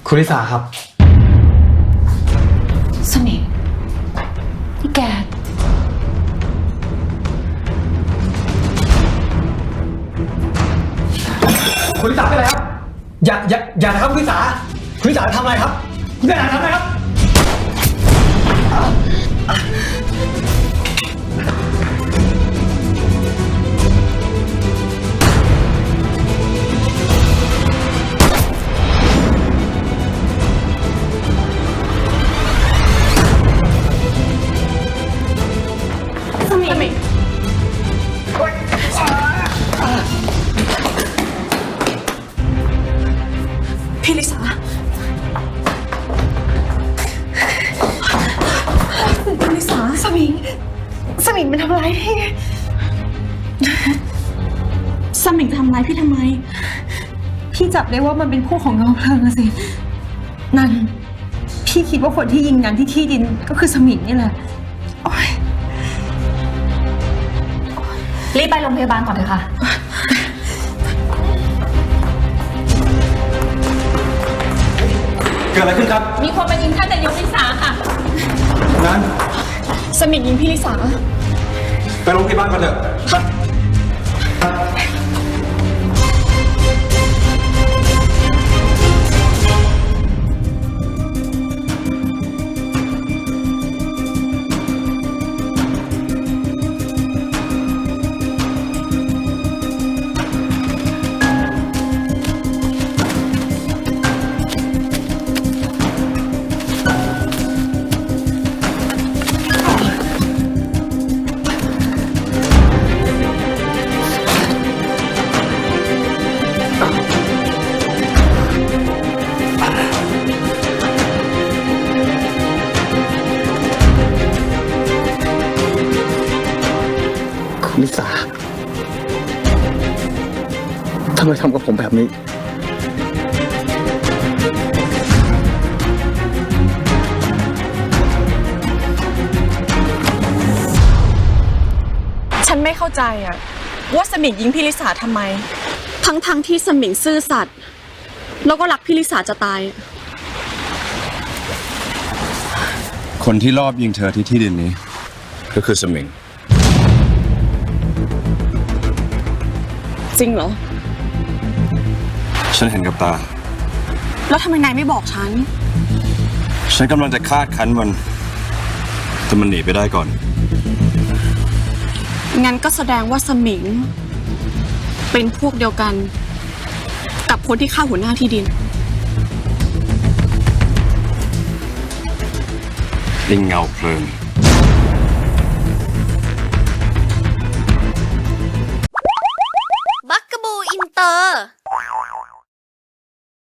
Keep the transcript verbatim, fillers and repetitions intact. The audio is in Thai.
คุณลิสาครับสมิงนี่แกคุณลิสาเป็นอะไรครับอย่าอย่าอย่านะครับคุณลิสาคุณลิสาทำอะไรครับคุณลิสาทำอะไรครับสมิงสมิงพี่ลิสาพี่ลิสาสมิงสมิงมันทำร้ายพี่สมิงทำร้ายพี่ทำไมพี่จับได้ว่ามันเป็นพวกของน้องเพลิงอะสินั่นพี่คิดว่าคนที่ยิงนันที่ที่ดินก็คือสมิงนี่แหละรีบไปโรงพยาบาลก่อนเถอะค่ะเกิดอะไรขึ้นครับมีคนมายิงท่านนายกลิสาค่ะนั้นสมิงยิงพี่ลิสาไปโรงพยาบาลกันเถอะไปลิสาทำไมทำกับผมแบบนี้ฉันไม่เข้าใจอะว่าสมิงยิงพี่ลิสาทำไมทั้งๆ ท, ที่สมิงซื่อสัตย์แล้วก็รักพี่ลิสาจะตายคนที่รอบยิงเธอที่ที่ดินนี้ก็คือสมิงจริงเหรอฉันเห็นกับตาแล้วทำไมนายไม่บอกฉันฉันกำลังจะคาดคั้นมันแต่มันหนีไปได้ก่อนงั้นก็แสดงว่าสมิงเป็นพวกเดียวกันกับคนที่ฆ่าหัวหน้าที่ดินลิงเงาเพลิง